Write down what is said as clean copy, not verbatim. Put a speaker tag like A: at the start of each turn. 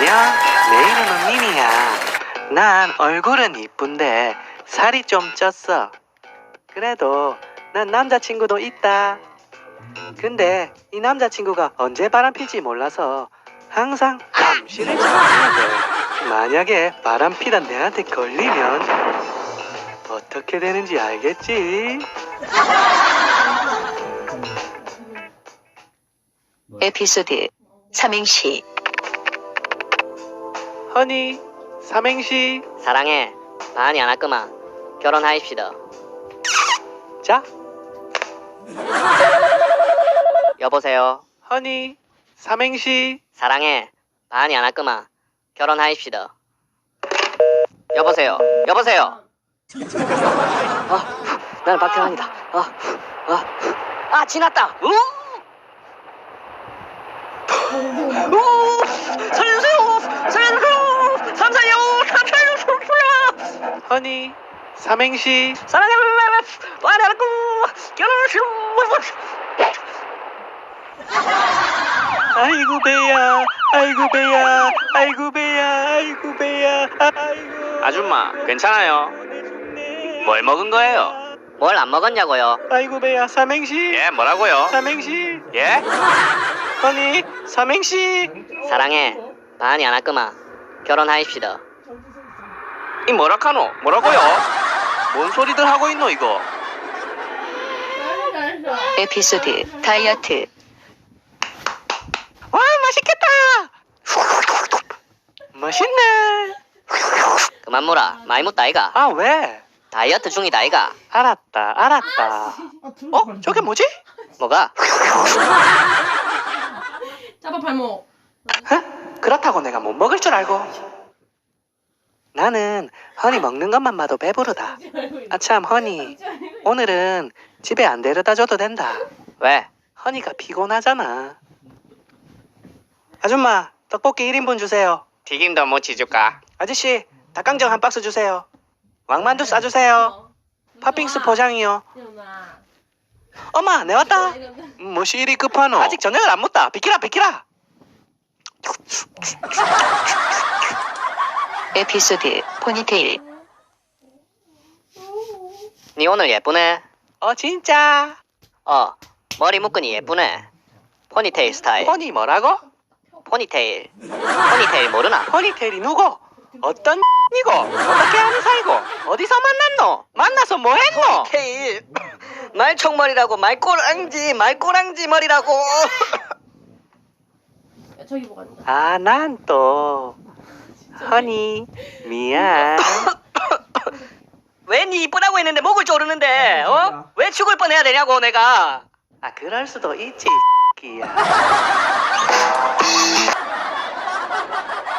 A: 안녕, 내 이름은 미니야. 난 얼굴은 이쁜데 살이 좀 쪘어. 그래도 난 남자친구도 있다. 근데 이 남자친구가 언제 바람필지 몰라서 항상 감시를 잘해야 돼. 만약에 바람피다 내한테 걸리면 어떻게 되는지 알겠지?
B: 에피소드 삼행시.
A: 허니, 삼행시.
C: 사랑해. 많이 안 할거만. 결혼하입시다.
A: 자,
C: 여보세요.
A: 허니, 삼행시.
C: 사랑해. 많이 안 할거만. 결혼하입시다. 여보세요. 여보세요. 나는 박태환이다. 지났다. 살려주세요. 살려주세요. 삼사요. 삼사요.
A: 허니, 삼행시.
C: 사랑해. 많이 안 할거. 결혼하시오.
A: 아이고 배야, 아이고 배야, 아이고 배야, 아이고 배야, 아이고.
D: 아줌마, 괜찮아요? 뭘 먹은 거예요?
C: 뭘 안 먹었냐고요?
A: 아이고 배야, 삼행시.
D: 예, 뭐라고요?
A: 삼행시.
D: 예?
A: 허니, 삼행시.
C: 사랑해. 많이 안 할거만. 결혼하입시다.
D: 이 뭐라카노? 뭐라고요? 뭔 소리들 하고 있노 이거?
B: 에피소드 다이어트.
A: 와, 맛있겠다. 맛있네.
C: 그만 물어. 많이 묻다 아이가.
A: 아, 왜?
C: 다이어트 중이다 아이가.
A: 알았다, 알았다. 어? 저게 뭐지?
C: 뭐가?
E: 잡아 발목.
A: 그렇다고 내가 못 먹을 줄 알고. 나는 허니 먹는 것만 봐도 배부르다. 아참, 허니, 오늘은 집에 안 데려다 줘도 된다.
C: 왜?
A: 허니가 피곤하잖아. 아줌마, 떡볶이 1인분 주세요.
D: 튀김도 모치 줄까?
A: 아저씨, 닭강정 한 박스 주세요. 왕만두 싸주세요. 팥빙수 포장이요.
E: 일어나.
A: 엄마, 내 왔다. 뭐시 이리 급하노? 아직 저녁을 안 먹다. 비키라, 비키라.
B: 에피소드 포니테일.
C: 니 오늘 예쁘네.
A: 진짜.
C: 머리 묶으니 예쁘네. 포니테일 스타일.
A: 허니 뭐라고?
C: 포니테일. 포니테일 모르나?
A: 허니테일이 누구? 어떤 이고? 어떻게 하는 사이고? 어디서 만났노? 만나서 뭐 했노?
C: 포니테일. 말총머리라고. 말꼬랑지 머리라고.
E: 야, 저기 뭐가 있다.
A: 아, 난 또 허니 미안.
C: 왜 니 이쁘다고 했는데 목을 조르는데? 왜 죽을 뻔해야 되냐고 내가.
A: 아, 그럴 수도 있지. 끼야.